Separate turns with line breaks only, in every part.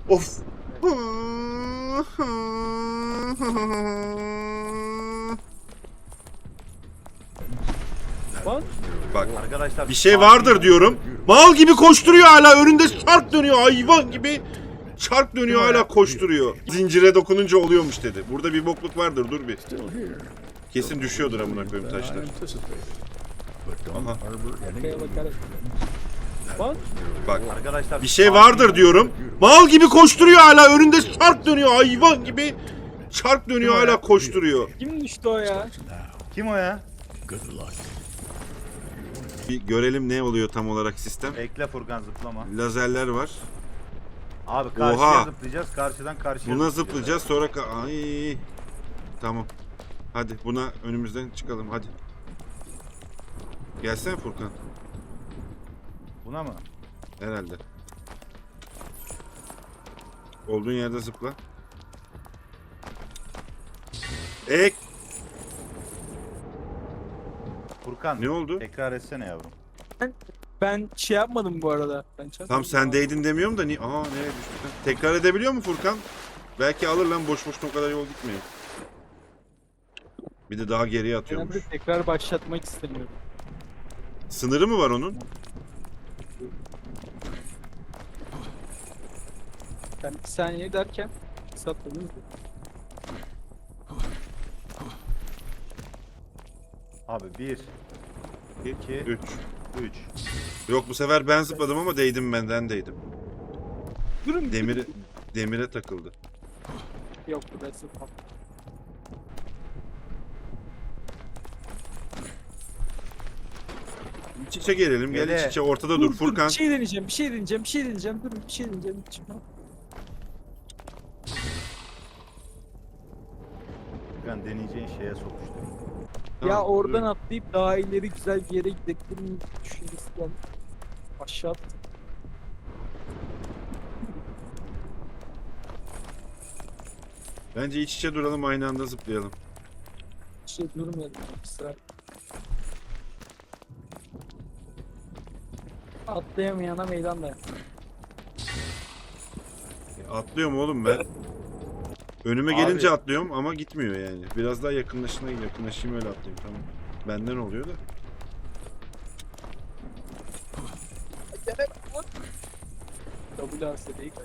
Of.
Bak.
Bak.
Arkadaşlar
Bir şey vardır diyorum. Mal gibi koşturuyor hala. Önünde çark dönüyor. Hayvan gibi. Çark dönüyor hala koşturuyor. Zincire dokununca oluyormuş dedi. Burada bir bokluk vardır. Dur bir. Kesin düşüyordur amına koyayım taşlar. Aha.
Arkaya bakarak. Bak.
Bak.
Arkadaşlar
Bir şey vardır diyorum. Mal gibi koşturuyor hala. Önünde çark dönüyor. Hayvan gibi. Çark dönüyor hala koşturuyor.
Kim düştü o ya?
Kim o ya?
Bir görelim ne oluyor tam olarak sistem.
Ekle Furkan zıplama.
Lazerler var.
Abi karşıya
Oha.
zıplayacağız. Karşıdan karşıya
Buna zıplayacağız sonra ay. Tamam. Hadi buna önümüzden çıkalım hadi. Gelsene Furkan.
Buna mı?
Herhalde. Olduğun yerde zıpla. Ek.
Furkan.
Ne oldu?
Tekrar etsene yavrum.
Ben şey yapmadım bu arada.
Tam sendeydin demiyorum da ni nereye düştük lan? Tekrar edebiliyor mu Furkan? Belki alır lan boş boşuna o kadar yol gitmiyor. Bir de daha geriye
Ben
atıyormuş.
de tekrar başlatmak istemiyorum.
Sınırı mı var onun?
Ben bir saniye derken satladınız.
Abi 1, 2,
3.
3.
Yok bu sefer ben zıpladım ama değdim benden değdim.
Durun.
Demire takıldı.
Yok bu da sıfır.
İç içe gelelim. Gel
Gele.
iç içe ortada dur Furkan.
Bir şey deneyeceğim. Durun bir şey deneyeceğim. Çıkma.
Furkan deneyeceğin şeye sokuştu.
Ya
Tamam,
oradan
dur.
atlayıp daha ileri güzel bir yere gidebilirim düşüncesi geldi. Aşağı at.
Bence iç içe duralım aynı anda zıplayalım.
Şey durmayalım. Sıra. Atlayamayana meydan da.
Atlıyorum oğlum ben. Önüme
Abi.
gelince atlıyorum ama gitmiyor yani. Biraz daha yakınlaşayım öyle atlayayım tamam. Benden oluyor da.
WASD değil.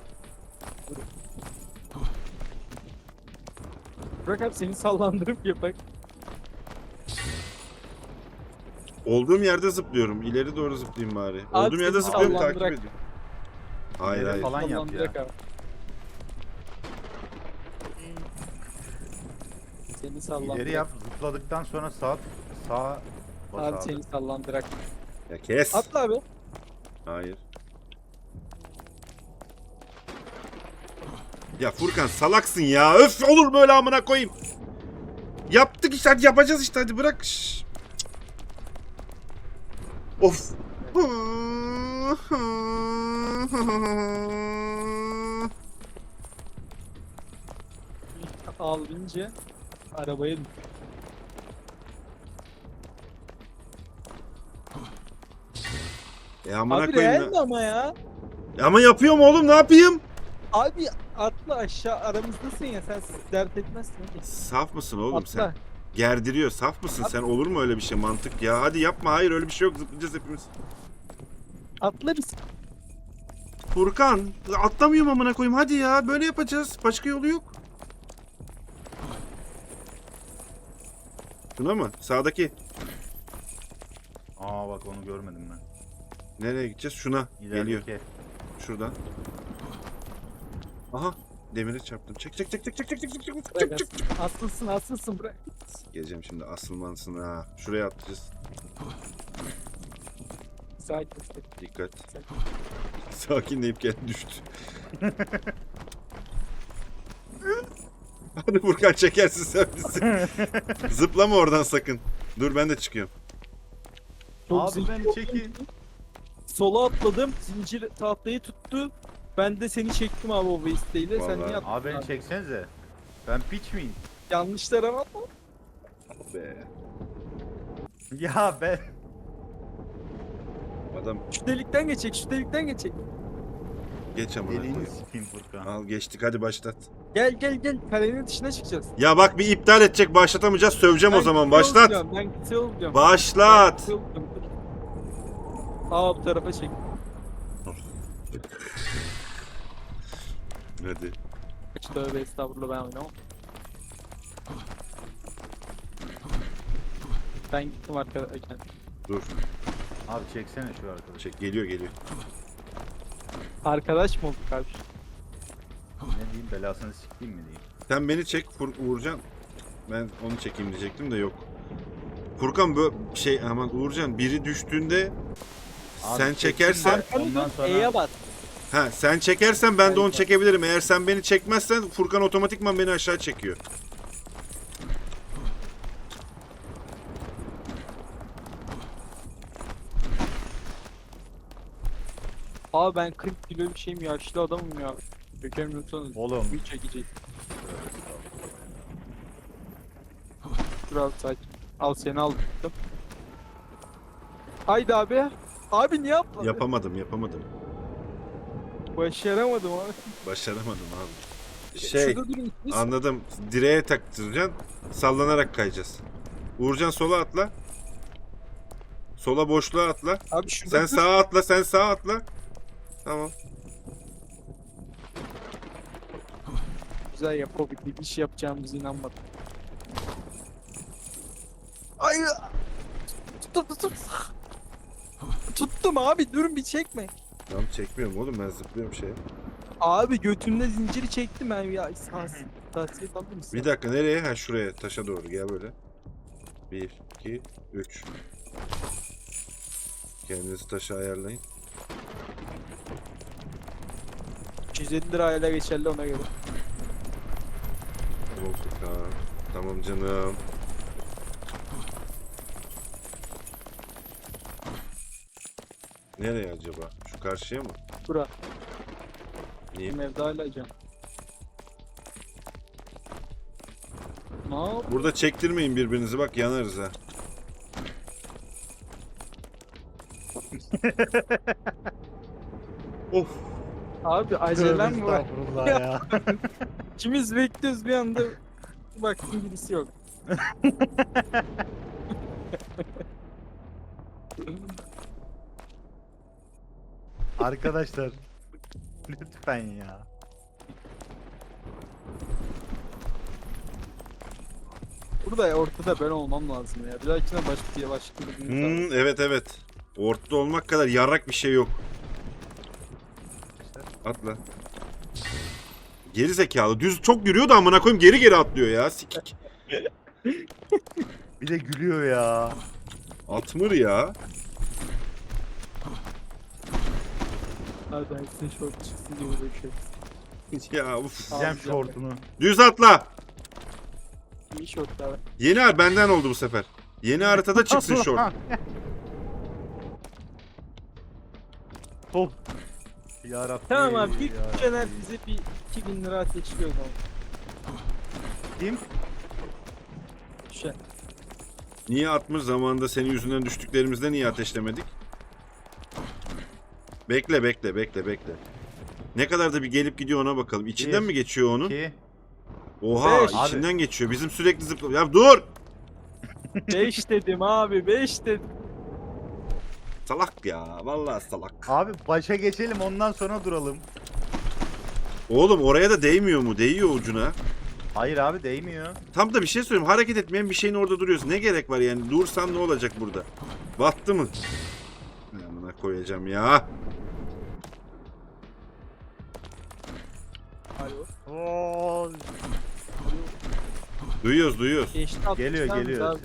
Bırak abi seni sallandırıp yapak.
Olduğum yerde zıplıyorum. İleri doğru zıplayayım bari.
Abi
Olduğum yerde
seni
zıplıyorum takip
sallandırak.
ediyorum. Hayır
İleri
hayır.
falan yap ya.
Sallandırak abi. Seni sallandırak.
İleri yap. Zıpladıktan sonra sağa bas
Abi
abi.
seni sallandırak.
Ya kes.
Atla abi.
Hayır. Ya Furkan salaksın ya. Öf olur böyle amına koyayım. Yaptık işte hadi yapacağız işte hadi bırak. Şşş. Of.
Alınca arabaya düş.
Ya amına
Abi
koyayım
real
ya.
mi ama ya?
Ama yapıyorum oğlum ne yapayım?
Abi atla aşağı aramızdasın ya sen dert etmezsin hadi.
Saf mısın oğlum
Atla.
sen? Gerdiriyor. Saf mısın sen? Olur mu öyle bir şey mantık ya? Hadi yapma. Hayır öyle bir şey yok. Zıplayacağız hepimiz.
Atla biz.
Furkan atlamıyorum amına koyayım. Hadi ya böyle yapacağız. Başka yolu yok. Şuna mı? Sağdaki.
Aa bak onu görmedim ben.
Nereye gideceğiz? Şuna. Geliyor.
İlerideki.
Şuradan. Aha. Demire çarptım. Çek çek çek çek çek çek çek çek çek
Bırak
çek çek.
asılsın bırak.
Geleceğim şimdi asılmansın ha. Şuraya atlayacağız.
Sakin ol.
Dikkat. Sakinleyip gel düştü. Hadi Furkan çekersin sen bizi. Zıplama oradan sakın. Dur ben de çıkıyorum.
Çok
Abi
zincir
beni çekin.
Sola atladım. Zincir tahtayı tuttu. Ben de seni çektim abi o vesteyle. Sen
Vallahi.
niye atladın?
Abi beni çeksenize. Ben piç miyim?
Yanlış tarafa atma.
Be.
Ya ben.
Adam
Şu delikten geçecek.
Geç amına
Deliğini
koyayım.
sikeyim Furkan.
Al geçtik hadi başlat.
Gel gel gel. Kalenin dışına çıkacağız.
Ya bak bir iptal edecek başlatamayacağız söveceğim o zaman
Ben
başlat.
olacağım, ben kısa olacağım.
Başlat.
Ben kısa olacağım. Aa bu tarafa çek.
Hadi.
Tövbe estağfurullah ben oynamam. Ben gittim arkadaşlar.
Dur.
Abi çeksene şu arkadaşı.
Çek geliyor.
Arkadaş mı olduk abi?
Ne diyeyim, belasını sikeyim mi diyeyim.
Sen beni çek Uğurcan. Ben onu çekeyim diyecektim de yok. Furkan böyle aman Uğurcan biri düştüğünde
Abi
sen çekersen
Arkanı
ondan
dön,
sonra-
E'ye bas.
sen çekersen ben de onu
Harika.
çekebilirim. Eğer sen beni çekmezsen Furkan otomatikman beni aşağı çekiyor.
Abi ben 40 kilo bir şeyim, yaşlı adamım ya. Dökemiyorsanız
Oğlum.
bir çekecek. Dur abi sakin. Al seni aldım. Haydi abi. Abi niye yapmadın?
Yapamadım.
Başaramadım abi.
Başaramadım abi.
Şurada durun. Biz...
Anladım. Direğe taktıracaksın. Sallanarak kayacağız. Uğurcan sola atla. Sola boşluğa atla.
Abi şurada
Sen sağa atla. Tamam.
güzel yapabildik. Bir şey yapacağımıza inanmadım. Ay. Tut. Tuttum abi, durun bir çekme.
Tamam çekmiyorum oğlum ben zıplıyorum şeye.
Abi götümde zinciri çektim ben ya. Tavsiye alır mısın?
Bir dakika nereye? Ha şuraya taşa doğru gel böyle. 1, 2, 3. Kendinizi taşa ayarlayın.
250 lirayla geçerli ona göre.
Tamam Furkan. Tamam canım. Nereye acaba? Şu karşıya mı?
Bura.
Niye?
Benim evde hala can. Ne yap?
Burada çektirmeyin birbirinizi bak yanarız ha. Of.
Abi acelem var.
Estağfurullah ya.
İkimiz bekliyoruz bir anda. Baktım birisi yok.
Arkadaşlar. Lütfen ya.
Burada ortada ben olmam lazım ya. Bir dahakine başka bir
Evet. Ortada olmak kadar yarrak bir şey yok. Atla. Geri zekalı. Düz çok yürüyor da amına koyayım geri atlıyor ya. Sikik.
Bir de gülüyor ya.
Atmır ya.
Hadi herkesin şort çıksın diye uğraşıyoruz.
Ya uf.
Diyeceğim şortunu.
Düz atla.
İyi şortlar.
Yeni benden oldu bu sefer. Yeni haritada çıksın şort.
Oh. Yarabbim.
Tamam abi bir
yarabbim.
Caner bize bir 2000 lira ateşliyor o zaman.
Kim?
Şey.
Niye atmış zamanında senin yüzünden düştüklerimizde niye ateşlemedik? Bekle. Ne kadar da bir gelip gidiyor ona bakalım. İçinden
Bir,
mi geçiyor onun?
2.
Oha
Beş.
içinden geçiyor. Bizim sürekli zıpla. Ya dur!
5 dedim abi 5 dedim.
Salak ya. Vallahi salak.
Abi başa geçelim ondan sonra duralım.
Oğlum oraya da değmiyor mu? Değiyor ucuna.
Hayır abi değmiyor.
Tam da bir şey söyleyeyim. Hareket etmeyen bir şeyin orada duruyorsun. Ne gerek var yani? Dursan ne olacak burada? Battı mı? Amına koyacağım ya.
Alo.
Oo.
Duyuyoruz.
Geçti
Geliyor
atmışlar
geliyor.
abi.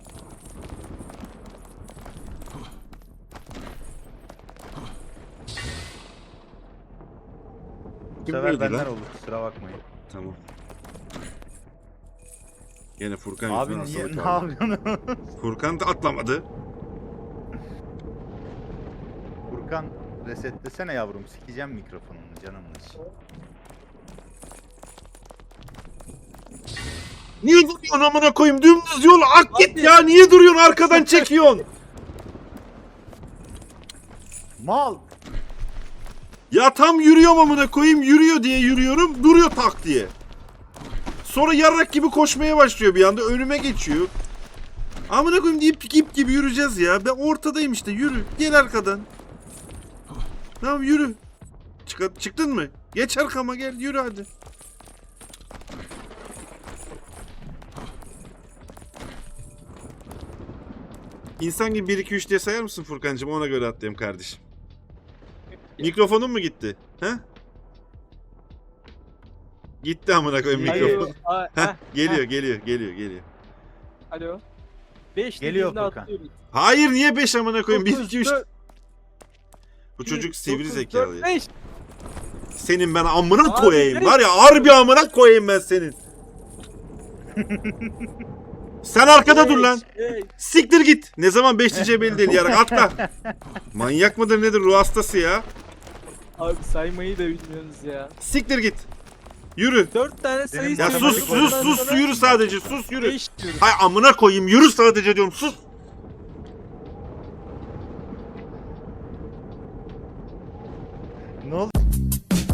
Bu
Kim
sefer
öldü
benden
lan?
olur, kusura bakmayın.
Tamam. Gene Furkan
Abi
yüzünden
niye,
hastalık
ne
aldı.
yapıyorsun?
Furkan da atlamadı.
Furkan resetlesene yavrum, sikeceğim mikrofonunu canımın içi.
Niye duruyorsun amına koyayım? Dümdüz yol ak git
Abi.
ya. Niye duruyorsun? Arkadan çekiyorsun.
Mal!
Ya tam yürüyorum amına koyayım, yürüyor diye yürüyorum, duruyor tak diye. Sonra yarrak gibi koşmaya başlıyor bir anda, önüme geçiyor. Amına koyayım deyip ip gibi yürüyeceğiz ya. Ben ortadayım işte, yürü. Gel arkadan. Tamam yürü. Çıktın mı? Geç arkama gel, yürü hadi. İnsan gibi 1 2 3 diye sayar mısın Furkancığım? Ona göre atlayayım kardeşim. Mikrofonun mu gitti? He? Gitti amına koyayım mikrofon. Heh, geliyor.
Alo. 5
Geliyor
dediğinde
Furkan.
atlıyoruz.
Hayır niye 5 amına koyayım? 1
Dokuz,
2 3.
dört,
Bu çocuk sivri
9,
zekalı
4,
ya.
5.
Senin ben amına
Abi,
koyayım.
beş.
Var ya harbi amına koyayım ben senin. Sen arkada dur lan. Siktir git. Ne zaman 5 diyeceği belli değil yarak. Atla. Manyak mıdır nedir ruh hastası ya.
Abi saymayı da bilmiyorsunuz ya.
Siktir git. Yürü.
4 tane sayı
Ya
Senin
sus
Ondan
sus yürü sadece sus yürü.
5 diyorum.
Hay amına koyayım yürü sadece diyorum sus.
Ne oldu?